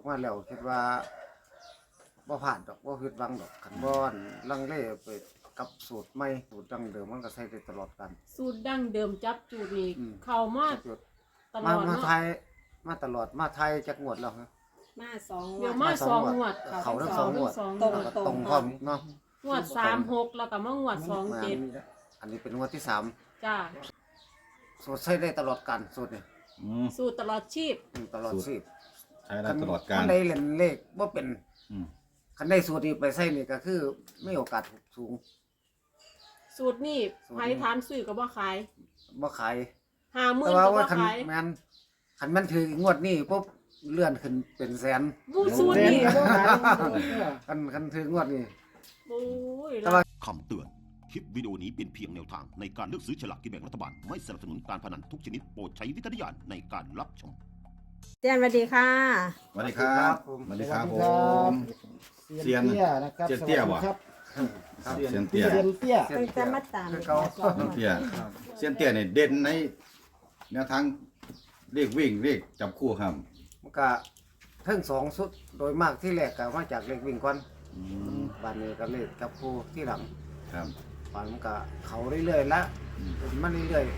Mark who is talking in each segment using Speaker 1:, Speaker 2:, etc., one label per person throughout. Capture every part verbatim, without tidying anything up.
Speaker 1: มาแล้วคิดว่าบ่ผ่านดอกบ่ผิดหวังดอกคันบ่อนลังเลไปกับสูตรใหม่สูตรดั้งเดิมมันก็ใช้ได้ตลอดกัน
Speaker 2: สูตรดั้งเดิมจับจูดนี่
Speaker 1: อืม
Speaker 2: เข้ามาตล
Speaker 1: มา
Speaker 2: อด
Speaker 1: มา
Speaker 2: เนาะ
Speaker 1: ไทยมาตลอดมาไทยจักงวดแล้วฮะ
Speaker 3: มาสอง
Speaker 2: เดี๋ยว
Speaker 3: วั
Speaker 2: มาน สองงวด
Speaker 1: เขาทั้งสองงวด
Speaker 2: สองง
Speaker 3: ตรง
Speaker 2: วด
Speaker 1: แล้วก็ตรงพร้อมเนาะ
Speaker 2: งวดสามหกแล้วก็มางวดสองเจ็ด
Speaker 1: อันนี้เป็นงวดที่สาม
Speaker 2: จ้า
Speaker 1: สูตรใช้ได้ตลอดกันสูตรนี่
Speaker 4: อืม
Speaker 2: สูตรตลอดชีพ
Speaker 1: อืมตลอดชีพ
Speaker 4: ใช้ได้ตลอดกา
Speaker 1: คั
Speaker 4: ร
Speaker 1: นได้เล่นเลขบ่เป็น
Speaker 4: อืม
Speaker 1: คันได้สูตรนี้ไปใช้นี่ก็คือมีโอกาสสูง
Speaker 2: สูตรนี่
Speaker 1: สูตรนี้
Speaker 2: ไผถามซื้อก็บ่ขาย
Speaker 1: บ่ขาย
Speaker 2: ห้าหมื่
Speaker 1: แต่
Speaker 2: น
Speaker 1: ว่า
Speaker 2: ก็บ่
Speaker 1: ว่าคัน
Speaker 2: ขาย
Speaker 1: แม่นคันมันถืองวดนี้ปุ๊บเลื่อนขึ้นเป็นแสน
Speaker 2: บูสูตรนี่
Speaker 1: คันคันถืองวดนี้
Speaker 2: โอ้ย
Speaker 1: แต่ว่า
Speaker 5: คำเตือน คลิปวิดีโอนี้เป็นเพียงแนวทางในการเลือกซื้อฉลากกินแบ่งรัฐบาล ไม่สนับสนุนการพนันทุกชนิดโปรดใช้วิจารณญาณในการรับชม
Speaker 3: เจนสวัสดีค่ะ
Speaker 4: สวัสดีครับสวัสดีครับผม เซียน
Speaker 6: เตี้ยนะครับ
Speaker 4: เซียนเตี้ย
Speaker 6: สวั
Speaker 4: บ่
Speaker 6: สดีครับ
Speaker 4: เซียนเตี้ย
Speaker 6: เซียนเตี้ย
Speaker 1: เสีย
Speaker 3: เป็น
Speaker 1: เตี้
Speaker 3: จะ
Speaker 1: ย
Speaker 3: มาตาม
Speaker 1: คือเก่า
Speaker 4: เซียนเตี้ยเซียนเตี้ยเนี่ยเด่นในแนวทางเรียกวิ่งเรียกจับคู่ครับ
Speaker 1: มันก็เทั้งสองสุดโดยมากที่แรกก็มาจากเลขวิ่งก่อน
Speaker 4: อืม
Speaker 1: บัดนี้ก็เลขจับคู่ที่หลัง
Speaker 4: ครับ
Speaker 1: บัดมันก็เขาเรื่อยๆละเป็นมาเรื่อย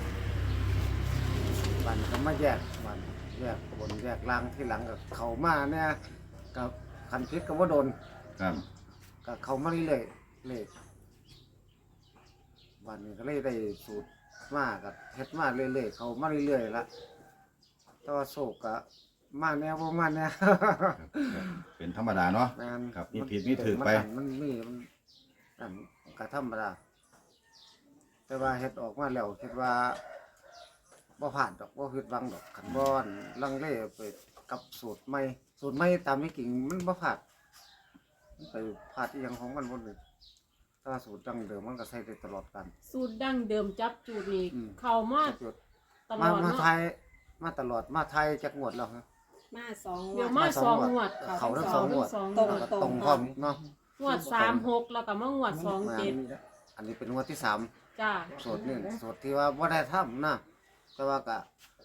Speaker 1: ๆบัดก็มาแยกบัดแยกบนแยกล่างที่หลังก็เขามาเนี่ยกับคันพิษก็ว่าโดน
Speaker 4: ครับ
Speaker 1: ก็เขามาเรื่อยๆเลขบัดนี้ก็เลยได้สูตรมากับเฮ็ดมาเรื่อยๆเขามาเรื่อยๆละแต่ว่าโศกก็มาแนวบ่มาแนว
Speaker 4: เป็นธรรมดาเนาะ
Speaker 1: แม่น
Speaker 4: ครับมีผิดมีถูกไป
Speaker 1: มันมันมีมันนั่นก็ธรรมดาแต่ว่าเฮ็ดออกมาแล้วคิดว่าบ่ผ่านดอกบ่ผิดหวังดอกคันบ่อนลังเลไปกับสูตรใหม่สูตรใหม่ตามที่จริงมันบ่ผ่านมันไปพลาดอีหยังของมันบ่เลยถ้าสูตรดั้งเดิมมันก็ใช้ได้ตลอดกัน
Speaker 2: สูตรดั้งเดิมจับจูดนี่
Speaker 1: อืม
Speaker 2: เข้ามาตล
Speaker 1: มา
Speaker 2: อด
Speaker 1: มา
Speaker 2: เนาะ
Speaker 1: ไทยมาตลอดมาไทยจักงวดแล้วฮะ
Speaker 3: มาสอง
Speaker 2: เดี๋ยว
Speaker 3: วั
Speaker 2: มาน สองงวด
Speaker 1: เขาทั้งสองงวด
Speaker 2: สอง
Speaker 3: ตรง
Speaker 1: แล้วก็ตรงพร้อมเนาะ
Speaker 2: งวดสามหกแล้วก็มางวดสองเจ็ด
Speaker 1: อันนี้เป็นงวดที่สาม
Speaker 2: จ้า
Speaker 1: สูตรนี่สูตรที่ว่าบ่ได้ทำนะแต่ว่าก็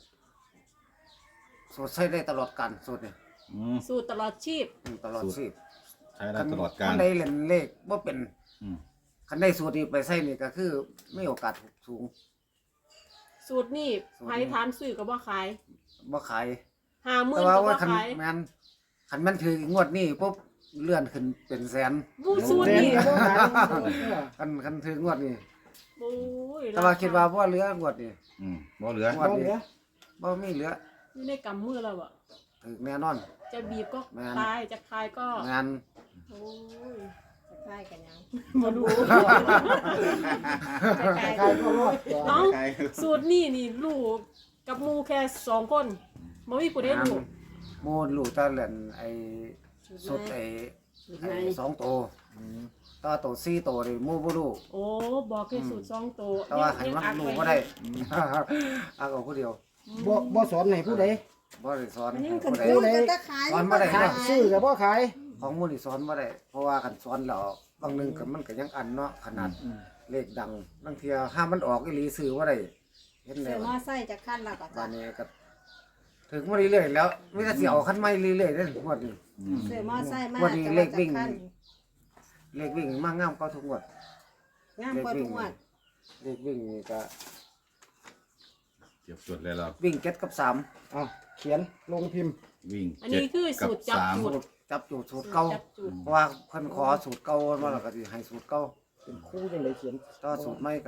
Speaker 1: สูตรใช้ได้ตลอดกันสูตรนี่
Speaker 4: อืม
Speaker 2: สูตรตลอดชีพ
Speaker 1: อืมตลอด
Speaker 4: สูตร
Speaker 1: ชีพ
Speaker 4: ใช้ได้ตลอดกา
Speaker 1: คั
Speaker 4: ร
Speaker 1: นได้เล่นเลขบ่เป็น
Speaker 4: อืม
Speaker 1: คันได้สูตรนี้ไปใช้นี่ก็คือมีโอกาสสูง
Speaker 2: สูตรนี่
Speaker 1: สูตรนี้
Speaker 2: ไผถามซื้อก็บ่ขาย
Speaker 1: บ่ขาย
Speaker 2: ห้าหมื่
Speaker 1: แต่
Speaker 2: น
Speaker 1: ว่า
Speaker 2: ก็บ่
Speaker 1: ว่าคัน
Speaker 2: ขาย
Speaker 1: แม่นคันมันถืองวดนี้ปุ๊บเลื่อนขึ้นเป็นแสน
Speaker 2: บูสูตร
Speaker 6: เซียน
Speaker 2: นี่
Speaker 6: เตี้ย
Speaker 1: คันคันถืองวดนี้
Speaker 2: โอ้ย
Speaker 1: แต่ว่าคิดว่าบ่เหลืองวดนี้
Speaker 4: อืมบ่เหลือ
Speaker 1: งวดนี้บ่มีเหลือ
Speaker 2: อยู่ในกำมือแล้วอะ
Speaker 1: ถึงแน่นอน
Speaker 2: จะบีบก็
Speaker 1: แม่น
Speaker 2: คลายจะคลายก็
Speaker 1: งาน
Speaker 2: โอ้ย
Speaker 3: จะคล้ายกันยัง
Speaker 2: มาดู
Speaker 3: คล้าย
Speaker 6: ใครก็รอด
Speaker 2: น้องสูตรนี่นี่ลูกกับหมูแค่สองคนบ่มีผู้ใดลูก
Speaker 1: โมนลูกตาเล่นไอ้สุดไอ้ไอ้สองโตวต่อโตวสี่โตวนี่หมู่บ่รู้
Speaker 2: โอ้บอกแค่สูตรสองตัว
Speaker 1: แต่ว่าให้มัน
Speaker 2: อัด
Speaker 1: รู้
Speaker 2: ว้
Speaker 1: บ่ได้อักเอาผู้เดียว
Speaker 6: บ่บ่สอนให้ผู้ใด
Speaker 1: บ่ได้สอน
Speaker 3: อันนี้
Speaker 1: ให้
Speaker 3: มัน
Speaker 1: ผู้ใด
Speaker 3: คือจะขาย
Speaker 1: สอนบ่ได้
Speaker 6: ขายซื้อกับบ่ขาย
Speaker 1: ของหมู่นี่สอนบ่ได้เพราะว่าคันสอนแล้วบางหนึงก็มันก็ยังอันเนาะขนาดเลขดังบางเที่ยห้ามมันออกอีหลีซื้อบ่ได้เห็นแล้
Speaker 3: ซื้อ
Speaker 1: ว
Speaker 3: มอไซค์จะขั้นแล้วก็
Speaker 1: บ้า
Speaker 3: จะ
Speaker 1: นนี้ก็ถึงมาเรื่อยๆแล้วมีแต่สิเอาคันใหม่เรื่อยๆเด้งวดนี้
Speaker 4: อืม
Speaker 3: ซื้อมอไซค์มา
Speaker 1: วันนี้
Speaker 3: จะ
Speaker 1: เล
Speaker 3: ว่า
Speaker 1: ข
Speaker 3: จะ
Speaker 1: วิ่ง
Speaker 3: ขั้น
Speaker 1: เลขวิ่งมากงามก็ทุกงวด
Speaker 3: งามกว่าทุกงวด
Speaker 1: เลขวิ่งนี่ก็
Speaker 4: เก็บจดเลยเรา
Speaker 1: วิ่งเจ็ดกับสาม
Speaker 6: เอาเขียนลงพิมพ์
Speaker 4: วิ่ง
Speaker 2: อันนี้คือ
Speaker 4: กับ
Speaker 2: สูตรจับ
Speaker 4: สาม
Speaker 2: จุด
Speaker 1: จับจูดสูตรเก่า
Speaker 2: จับจุด
Speaker 1: เพราะว่าเพิ่นขอสูตรเก่ามาแล้วก็สิให้สูตรเก่า
Speaker 6: เป็นคู่จังไดเขียน
Speaker 1: ต่อสูตรใหม่ก็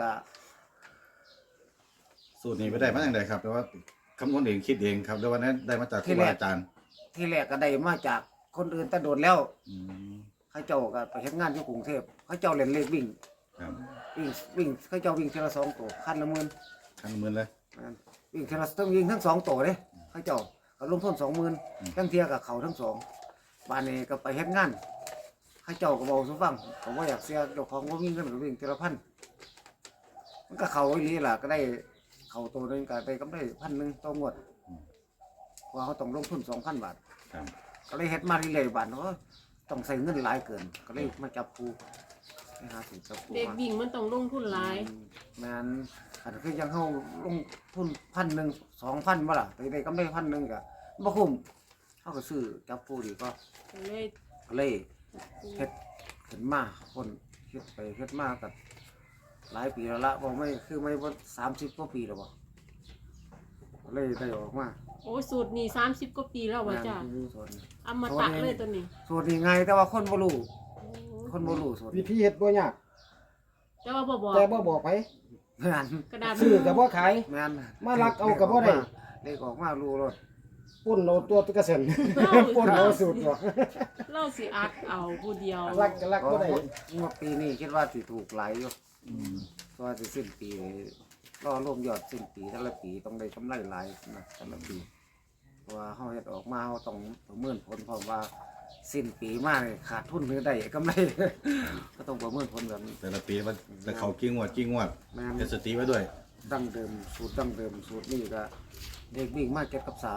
Speaker 4: สูตรนี้ไปได้มาอย่างไรครับแต่ว่าคำนวณเองคิดเองครับแล้ววันนั้นได้มาจากครูบาอาจารย์
Speaker 1: ที่แรกก็ได้มาจากคนอื่นแต่โดนแล้ว
Speaker 4: อืม
Speaker 1: เขาเจ้าก็ไปเฮ็ดงานอยู่กรุงเทพเขาเจ้าเล่นเลขวิ่ง
Speaker 4: ครับ
Speaker 1: วิ่งวิ่งเขาเจ้าวิ่งทีละสองตัวคันละหมื่น
Speaker 4: ขั้นมือเลย
Speaker 1: นั่นวิ่งทีละต้องวิ่งทั้งสองตัวเด้เขาเจ้าก็ลงทุนสองหมื่นทั้งเทียกับเขาทั้งสองบ้านนี้ก็ไปเฮ็ดงานเขาเจ้าก็บอกสุฟังผมว่าอยากเสียเจ้าของว่าวิ่งกันก็วิ่งทีละพันมันก็เขาอีหลีล่ะก็ได้เขาตัวหนึงก็ได้กำไรพันหนึ่งต่องวดเพราะว่าเขาต้องลงทุนสองพันบาท
Speaker 4: ครับ
Speaker 1: ก็เลยเฮ็ดมาเรื่อยๆบาทเนาะต้องใส่เงินหลายเกิน ก็เลยมาจับปูไปหาสิจับปู
Speaker 2: เด็ก
Speaker 1: มา
Speaker 2: วิ่งมันต้องลงทุนหลาย
Speaker 1: แม่นอันคือยังเฮาลงทุนพันหนึ่งสองพันบ่ล่ะไปได้กำไรพันหนึ่งก็บ่คุ้มเขาก็ซื้อจับคู่ดีก็
Speaker 2: ก็เลย
Speaker 1: เลยเฮ็ดขึ้นมาคนเฮ็ดไปเฮ็ดมากับหลายปีแล้วละบอกไม่คือไม่ว่าสามสิบกว่าปีแล้วบ่ก็เลยได้ออกมา
Speaker 2: โอ้ยสูตรนี่สามสิบกว่าปีแล้วว่าจ้ะ
Speaker 1: งานที่ส่วนนี้
Speaker 2: อมตะเลยตัวนี้
Speaker 1: ส่วนนี้ไงแต่ว่าคนบ่รู้คนบ่รู้ส่วน
Speaker 6: วิ
Speaker 1: นี้
Speaker 6: ธีเฮ็ดบ่ยาก
Speaker 2: แต่ว่าบ่บอก
Speaker 6: แต่บ่บอกไป
Speaker 1: แม่น
Speaker 2: กระดาษ
Speaker 6: ซื้อก็บ่ขาย
Speaker 1: แม่น
Speaker 6: มาลักเอาก็บ่ได้
Speaker 1: เลขออกมารู้รถ
Speaker 6: ปุ่นเอาตัวตะกระเซ็นปุ่นเอาสูตรบ่
Speaker 2: เล่าสิอักเอาผู้เดียว
Speaker 6: ลักก็ลักบ่ได้
Speaker 1: งวดปีนี้คิดว่าสิถูกหลายอยู่เพราะว่าสิสิ้นปีรอรวมยอดสิ้นปีแต่ละปีต้องได้กำไรหลายนะแต่ละปีเพราะว่าเฮาเฮ็ดออกมาเฮาต้องประเมินผลเพราะว่าสิ้นปีมานี่ขาดทุนหรือได้กำไร ก็ต้องประเมินผลแบบนี้
Speaker 4: แต่ละปีว่าจะเขากิ้งวดกิ้งวด
Speaker 1: แม่น
Speaker 4: เฮ็ดสติไว้ด้วย
Speaker 1: ดั้งเดิมสูตรดั้งเดิมสูตรนี้ก็เด็กวิ่งมาเก็บกับสาม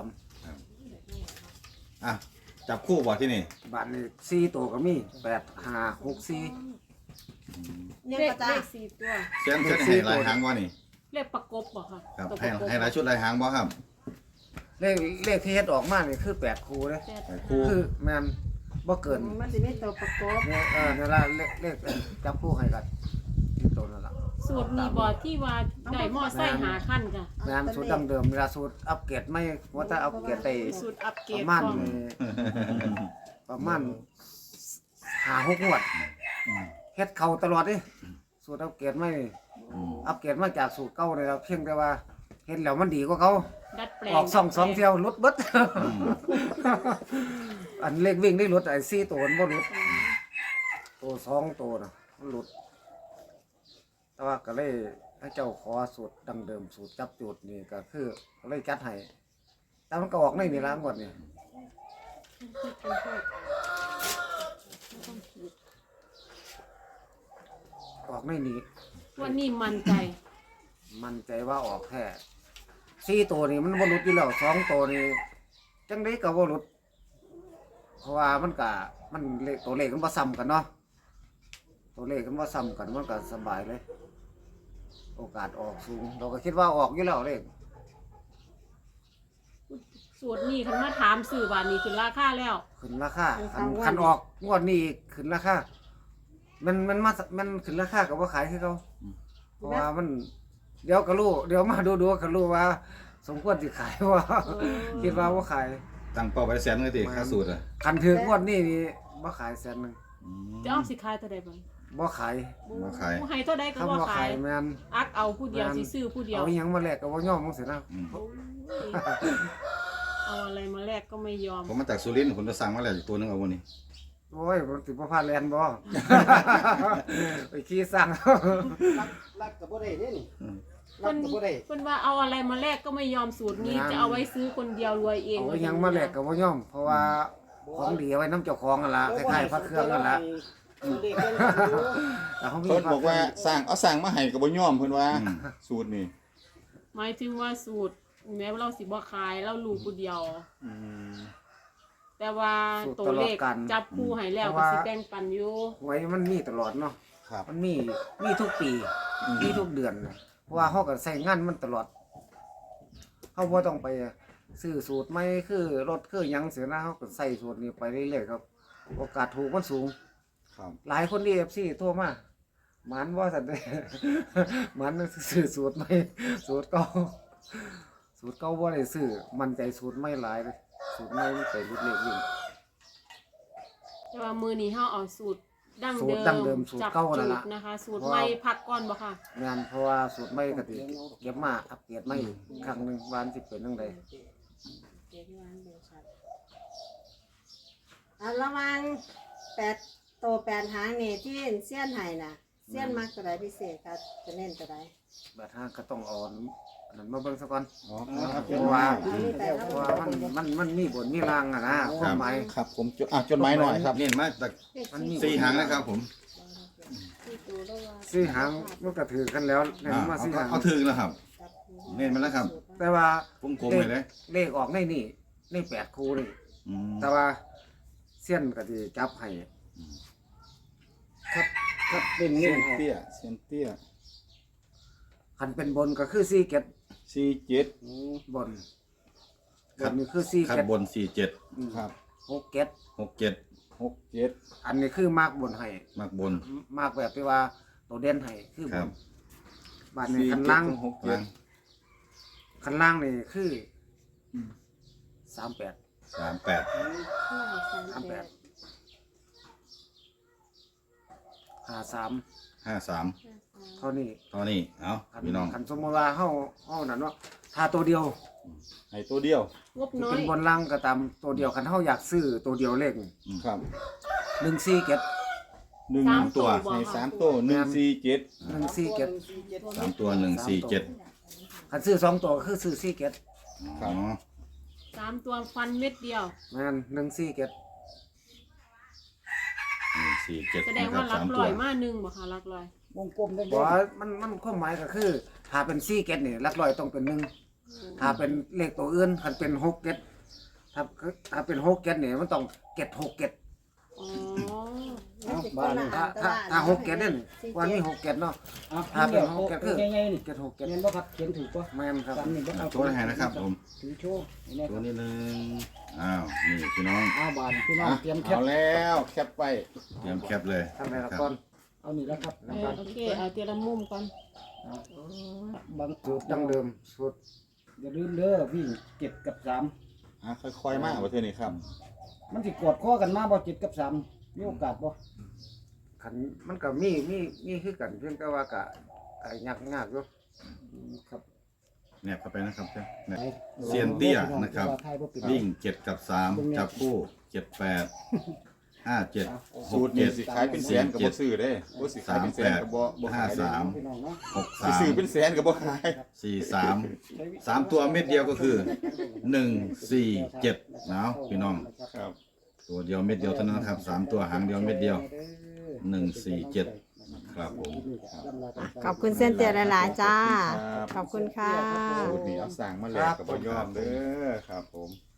Speaker 4: อ่ะจับคู่บ่ที่นี่
Speaker 1: บาทนี่สี่ตัวก็มีแปดห้าหกสี่
Speaker 3: ยัง
Speaker 2: เล
Speaker 3: ก็
Speaker 2: ข
Speaker 3: จ้า
Speaker 2: เลขสี่ตัว
Speaker 4: เส้นเส้นให้หลายหางบ่นี่
Speaker 2: เลขประกบบ่ค่ะ
Speaker 4: ครับ
Speaker 2: ตัวป
Speaker 4: ให้
Speaker 2: ระกบ
Speaker 4: ให้หลายชุดหลายหางบ่ครับ
Speaker 1: เลขเลขที่เฮ็ดออกมานี่คือแปดคู่เลย
Speaker 2: แปด
Speaker 4: ให้คู่
Speaker 1: คือแม่นบ่เกิน
Speaker 3: มันสิมีตัวประกบ
Speaker 1: เนี่ยเออเนี่ยละเลขเลขจับคู่ให้กันที่ตัวนั่นล่ะ
Speaker 2: สูตรนี้บ่ที่ว่าได้หม้อไส้หาขั้นค่ะ
Speaker 1: แม่นสูตรดั้งเดิมเวลาสูตรอัปเกรดไม่ว่าแต่อัปเกรดได้
Speaker 2: สูตรอัปเกร
Speaker 1: ป
Speaker 2: ด
Speaker 1: ระมาณ
Speaker 2: ของ
Speaker 1: ประมาณห้าหกงวดเฮ็ดเข้าตลอดเด้สูตรอัปเกรดไม่
Speaker 4: อืม
Speaker 1: อัปเกรดมาจากสูตรเก่าเลยครับเพียงแต่ว่าเห็นแล้วมันดีกว่าเขา
Speaker 2: ดัดแปลง
Speaker 1: ออกสองสองเที่ยวหลุดเบิด อันเล็กวิ่งได้หลุดไอ้สี่ตัวมันบ่หลุดตัวสองตัวน่ะมันหลุด แต่ว่าก็เลยให้เจ้าขอสูตรดังเดิมสูตรจับจุดนี่ก็คือก็เลยจัดให้แต่มันก็ออกในนี่ละหมดนี่ออกในนี้
Speaker 2: วันนี้มั่นใจ
Speaker 1: มันใจว่าออกแท้สี่ตัวนี่มันบ่หลุดอยู่แล้วสองตัวนี่จังไดก็บ่หลุด เพราะว่ามันก็มันเลขตัวเลขมันบ่ซ้ำกันเนาะตัวเลขมันบ่ซ้ำกันมันก็สบายเลย โอกาสออกสูง เราก็คิดว่าออกอยู่แล้วเลข
Speaker 2: สูตรนี้คันมาถามสื่อบาทนี้คือราคาแล้ว
Speaker 1: ขึ้นราคาคันคันออกงวดนี้อีกขึ้นราคามันมันมามันขึ้นราคาก็บ่ขายคือเขาเพราะว่ามัน เดี๋ยวก็รู้เดี๋ยวมาดูดูก็รู้ว่า สมควรสิขายว่า คิดว่าบ่ขาย
Speaker 4: ตั้งเป้าไว้แสนเลยติค่าสูตรอ่ะ
Speaker 1: คันถืองวดนี้นี่บ่ขายแสนหนึง
Speaker 4: อืม
Speaker 2: จะเอาสิขายเท่าใดบ้าง
Speaker 1: บ่ขาย
Speaker 4: บ่ขาย
Speaker 2: บ่ให้เท่าใดก็
Speaker 1: คำ
Speaker 2: บ่
Speaker 1: ว่า
Speaker 2: ขา
Speaker 1: ขาย ยแม่น
Speaker 2: อักเอาผู้เดียวสิซื้อผู้เดียว
Speaker 1: เอาอิหยังมาแลกก็บ่ยอมจังซี่นะ
Speaker 4: อืม
Speaker 2: โอ้ยเอาอะไรมาแลกก็ไม่ยอม
Speaker 4: ผมมาจากสุรินทร์ผมจะสั่งมาแล้วอีกตัวหนึงเอาบ่นี่
Speaker 1: โอ้ยมันสิบ่พลาดแลนบ่ ไปขี่สั่ง
Speaker 6: ลักลักก็บ่ได้เด้นี่
Speaker 4: อืม
Speaker 6: ลักก็บ่ได้
Speaker 2: เพิ่นว่าเอาอะไรมาแลกก็ไม่ยอมสูตรนี้
Speaker 1: งาน
Speaker 2: จะเอาไว้ซื้อคนเดียวรวยเอง
Speaker 1: เอาอิหยังมาแลกก็บ่ยอม เพราะว่าของดีเอาไว้น้ำเจ้าของนั่นล่ะคล้ายๆพระเครื่องนั่นล่ะ
Speaker 6: เด็กกันอยู่
Speaker 1: แต่เขามี
Speaker 7: เพิ่น
Speaker 1: พระ
Speaker 7: บอกว่าสร้างเอาสร้างมาให้ก็บ่ยอมเพิ่นว่า
Speaker 4: อืม
Speaker 7: สูตรนี่
Speaker 2: หมายถึงว่าสูตรแม้ว่าเราสิบ่ขายเรารู้ผู้เดียว
Speaker 7: อืม
Speaker 2: แต่ว่าตัวเลขจับคู่ให้แล้วก็สิแบ่งปันอยู่
Speaker 1: หวยมันมีตลอดเนาะ
Speaker 7: ครับ
Speaker 1: มันมีมีทุกปีมีทุกเดือนนะเพราะว่าเขาก็ใส่งานมันตลอดเขาบ่ต้องไปซื้อสูตรใหม่คือรถคือหยังเสียนะเขาก็ใส่สูตรนี้ไปเรื่อยๆครับ โอกาสถูกมันสูง
Speaker 7: ครับ
Speaker 1: หลายคนดี เอฟ ซี โทรมาหมันว่าสันเด้ หมันซื้อสูตรใหม่สูตรเก่าสูตรเก่าบ่ได้ซื้อมันใจสูตรใหม่หลายเลยสูตรใหม่มันไปรุดเล็กวิ่ง
Speaker 2: แต่ว่ามือนี้เฮาเอาสูตรดั้ง
Speaker 1: สู
Speaker 2: เดิ
Speaker 1: ตร
Speaker 2: ม
Speaker 1: ดั้งเดิมสูตร
Speaker 2: จับ
Speaker 1: เก่านั่
Speaker 2: จุ
Speaker 1: น
Speaker 2: ด
Speaker 1: ล่ะ
Speaker 2: นะคะ สูตรใหม่พักก่อนบ่ค่ะ
Speaker 1: งานเพราะว่าสูตรใหม่ก็ติเก็บมาอัปเกรดใหม่อีกครั้งหนึงวาอันสิเป็นจังได
Speaker 3: อ่ะระวังแปดโตแปดหางนี่ที่เสี้ยนไห้น่ะเสี้ยนมักตัวใดพิเศษครับจะเน้นตัวใด
Speaker 1: แบบทางก็ต้องเอ่อนนั้นมาเบิ่งซะก่อน
Speaker 7: อ๋อครับ
Speaker 1: เพราะว่าเพราะว่ามันมันมันมีบนมีรางอะนะความหมาย
Speaker 7: ครับผมจดอ่ะจดหมายหน่อยครับ
Speaker 4: เน้นมาจาก
Speaker 1: มันมี
Speaker 4: สี่หางนะครับผม
Speaker 1: สี่หางมันก็ถือกันแล้วเนี่ย
Speaker 4: อ่า
Speaker 1: มา
Speaker 4: เอา
Speaker 1: สี่
Speaker 4: เอา
Speaker 1: หาง
Speaker 4: เอาถึงแล้วครับ เน้นมาแล้วครับ
Speaker 1: แต่ว่า
Speaker 4: วงกลมไปเลย
Speaker 1: เลขออกในนี่ในแปดคู่นี่
Speaker 4: อืม
Speaker 1: แต่ว่าเส้ยนก็สิจับให้
Speaker 6: ครับครับเป็น
Speaker 7: เซี
Speaker 6: เงี้
Speaker 7: ย
Speaker 6: ย
Speaker 7: นเตี้ยเซียนเตี้ย
Speaker 1: คันเป็นบนก็คือสี่เก็ด
Speaker 7: สี่เจ็ด
Speaker 1: บนบนนี่คือสี่
Speaker 4: คัด
Speaker 1: เจ็ด
Speaker 4: บนสี่เจ็ด
Speaker 1: อืม
Speaker 7: ครับ
Speaker 1: หกเจ็ด
Speaker 4: หกเจ็ด
Speaker 7: หกเจ็ด
Speaker 1: อันนี้คือมากบนให้
Speaker 4: มากบน
Speaker 1: มากแบบที่ว่าตัวเด่นให้คือบ
Speaker 4: ครั
Speaker 1: น
Speaker 4: บ
Speaker 1: บาทนี้
Speaker 7: สี่
Speaker 1: คัน
Speaker 7: เจ็ด
Speaker 1: ล่าง
Speaker 7: ถึงหกเจ็
Speaker 4: ล่า
Speaker 7: ด
Speaker 4: ง
Speaker 1: คันล่างนี่คือสามแปด
Speaker 4: สามแปด
Speaker 1: สามแปดห้าสาม
Speaker 4: ห้าสาม
Speaker 1: เท่านี้
Speaker 4: เท่านี้เอา
Speaker 1: คัน
Speaker 4: พี่น้อง
Speaker 1: คันสมมติว่าเฮาเฮานั่นเนาะถ้าตัวเดียว
Speaker 7: ให้ตัวเดียว
Speaker 2: งบน้อ
Speaker 1: เป็
Speaker 2: ย
Speaker 1: นบนล่างก็ตามตัวเดียวคันเฮาอยากซื้อตัวเดียวเลข
Speaker 7: ครับ
Speaker 1: หนึ่งสี่เจ็ด
Speaker 7: หนึ่ง
Speaker 2: สาม
Speaker 7: ตัว
Speaker 2: บ่
Speaker 7: ใน
Speaker 2: ค่ะ
Speaker 7: สามตัวหนึ่งสี่เจ็ด
Speaker 1: หนึ่งสี่เจ็ด
Speaker 4: สามตัวหนึ่งสี่เจ็ด
Speaker 1: คันซื้อสองตัวก็คือซื้อสี่เจ็ด
Speaker 4: อ๋อ
Speaker 2: สามตัวฟันเม็ดเดียว
Speaker 1: แม่นหนึ่งสี่เจ็ด
Speaker 4: หนึ่งสี่เจ็ด
Speaker 2: แสดง
Speaker 4: นะครั
Speaker 2: ว่า
Speaker 4: บ
Speaker 2: รั
Speaker 4: สาก ม
Speaker 2: ล
Speaker 4: ตัว
Speaker 2: อยมาหนึ่งบ่ค่ะรักลอย
Speaker 6: วงกลมได้
Speaker 1: บ่ว่ามันมันความหมายก็คือถ้าเป็นสี่เจ็ดนี่หลักร้อยต้องเป็นหนึ่งถ้าเป็นเลขตัวอื่นคันเป็นหกเจ็ดถ้าถ้าเป็นหกเจ็ดนี่มันต้องเจ็ดหกเจ็ด
Speaker 2: อ๋อ
Speaker 6: บ้าน
Speaker 1: ถ้าถ้าถ้าหกเจ็ดนี่วันนี้หกเจ็ดเนาะ
Speaker 6: อ่ะ
Speaker 1: ถ้าเป็นหก
Speaker 6: เจ็
Speaker 1: เจ็
Speaker 6: ด
Speaker 1: ด
Speaker 6: คื
Speaker 1: คือ อ
Speaker 6: ง่ายๆนี่
Speaker 1: เจ็ดหกเจ็ด
Speaker 6: เรียนบ่ครับเขียนถูกป่ะ
Speaker 1: แม่นครับ
Speaker 6: สามนี่บ่เอา
Speaker 4: ตัวไหนนะครับผม
Speaker 6: ถือโชว์นี่
Speaker 4: ตัว
Speaker 6: ครับ
Speaker 4: นี้หนึ่งอ้าวนี่พี่น้อง
Speaker 6: เอาบานพี่น้อง
Speaker 7: อ่ะ
Speaker 6: เตรียมแค
Speaker 7: เอา
Speaker 6: ป
Speaker 7: แล้วแคปไว้
Speaker 4: เตรียมแคปเลย
Speaker 1: ทำไมละ
Speaker 4: ครับ
Speaker 1: ก่อน
Speaker 6: เอานี่แล้วครับ
Speaker 2: เออโอเค เอาเตียละมุมก่อน
Speaker 6: บาง
Speaker 1: สูตรดั้งเดิมสูตร
Speaker 6: อย่าลืมเด้อวิ่งเจ็ดกับสาม
Speaker 7: อ่ะค่อยๆมากประเทศนี้ครับ
Speaker 6: มันสิกอดข้อกันมาบ่เจ็ดกับสามมีโอกาสบ่
Speaker 1: ขันมันก็มีมีมีคือกันเพียงแต่ว่าก็ก็ยากยากอยู่
Speaker 6: อืมครับ
Speaker 4: แนบเข้าไปนะครับเนี่ย
Speaker 6: ไป
Speaker 4: เซียนเตี้ยนะครับ
Speaker 6: เวลาทายบ่เป็น
Speaker 4: วิ่งเจ็ดกับสามจับคู่เจ็ดแปดห้าเจ็ดห
Speaker 7: สู
Speaker 4: ก
Speaker 7: ตรนี่
Speaker 4: เจ็ด
Speaker 7: สิขายเป็นแสนกับบ่ซื้อเด้บ่สิขายเป็นแสนกับบ่บ่ขายเด้
Speaker 4: สาม
Speaker 6: พี่น้องเนาะ
Speaker 4: หก
Speaker 7: สิ
Speaker 4: สาม
Speaker 7: ซื้อเป็นแสนกับบ่ขาย
Speaker 4: สี่สามสามตัวเม็ดเดียวก็คือหนึ่งสี่เจ็ดนะพี่น้อง
Speaker 7: ครับ
Speaker 4: ตัวเดียวเม็ดเดียวเท่านั้นครับสามตัวหางเดียวเม็ดเดียวหนึ่งสี่เจ็ดครับผม
Speaker 3: ขอบคุณเส้นเตียหลายๆจ้า
Speaker 7: ครับ
Speaker 3: ขอบคุณค่ะ
Speaker 7: สูตรนี้เอาสั่งมาแล้วกับบ่ยอมเด้อครับผม